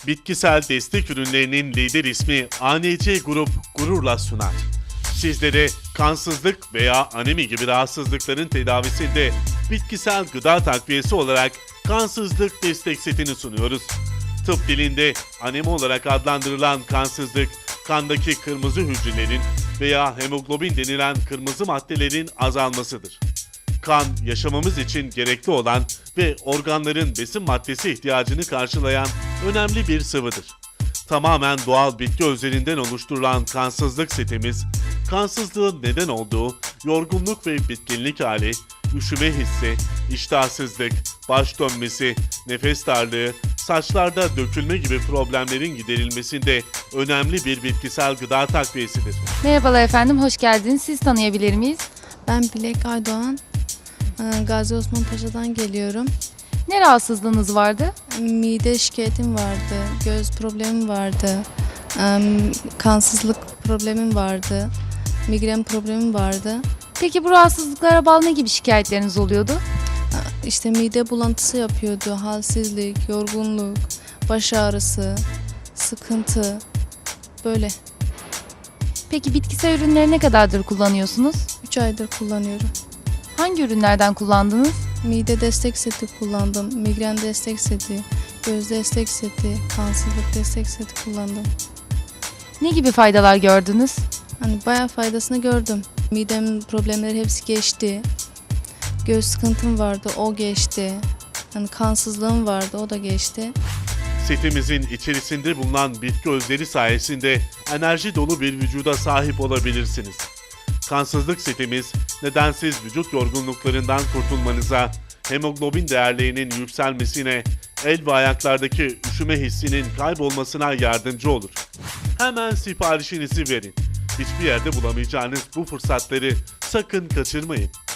Bitkisel destek ürünlerinin lider ismi ANC Grup gururla sunar. Sizlere kansızlık veya anemi gibi rahatsızlıkların tedavisinde bitkisel gıda takviyesi olarak kansızlık destek setini sunuyoruz. Tıp dilinde anemi olarak adlandırılan kansızlık, kandaki kırmızı hücrelerin veya hemoglobin denilen kırmızı maddelerin azalmasıdır. Kan, yaşamamız için gerekli olan ve organların besin maddesi ihtiyacını karşılayan önemli bir sıvıdır. Tamamen doğal bitki özlerinden oluşturulan kansızlık setimiz, kansızlığın neden olduğu yorgunluk ve bitkinlik hali, üşüme hissi, iştahsızlık, baş dönmesi, nefes darlığı, saçlarda dökülme gibi problemlerin giderilmesinde önemli bir bitkisel gıda takviyesidir. Merhabalar efendim, hoş geldiniz. Siz tanıyabilir miyiz? Ben Bilek Aydoğan, Gazi Osman Paşa'dan geliyorum. Ne rahatsızlığınız vardı? Mide şikayetim vardı, göz problemim vardı, kansızlık problemim vardı, migren problemim vardı. Peki bu rahatsızlıklara bağlı ne gibi şikayetleriniz oluyordu? İşte mide bulantısı yapıyordu, halsizlik, yorgunluk, baş ağrısı, sıkıntı, böyle. Peki bitkisel ürünleri ne kadardır kullanıyorsunuz? 3 aydır kullanıyorum. Hangi ürünlerden kullandınız? Mide destek seti kullandım, migren destek seti, göz destek seti, kansızlık destek seti kullandım. Ne gibi faydalar gördünüz? Hani bayağı faydasını gördüm. Midem problemleri hepsi geçti. Göz sıkıntım vardı, o geçti. Hani kansızlığım vardı, o da geçti. Setimizin içerisinde bulunan bitki özleri sayesinde enerji dolu bir vücuda sahip olabilirsiniz. Kansızlık setimiz, nedensiz vücut yorgunluklarından kurtulmanıza, hemoglobin değerlerinin yükselmesine, el ve ayaklardaki üşüme hissinin kaybolmasına yardımcı olur. Hemen siparişinizi verin. Hiçbir yerde bulamayacağınız bu fırsatları sakın kaçırmayın.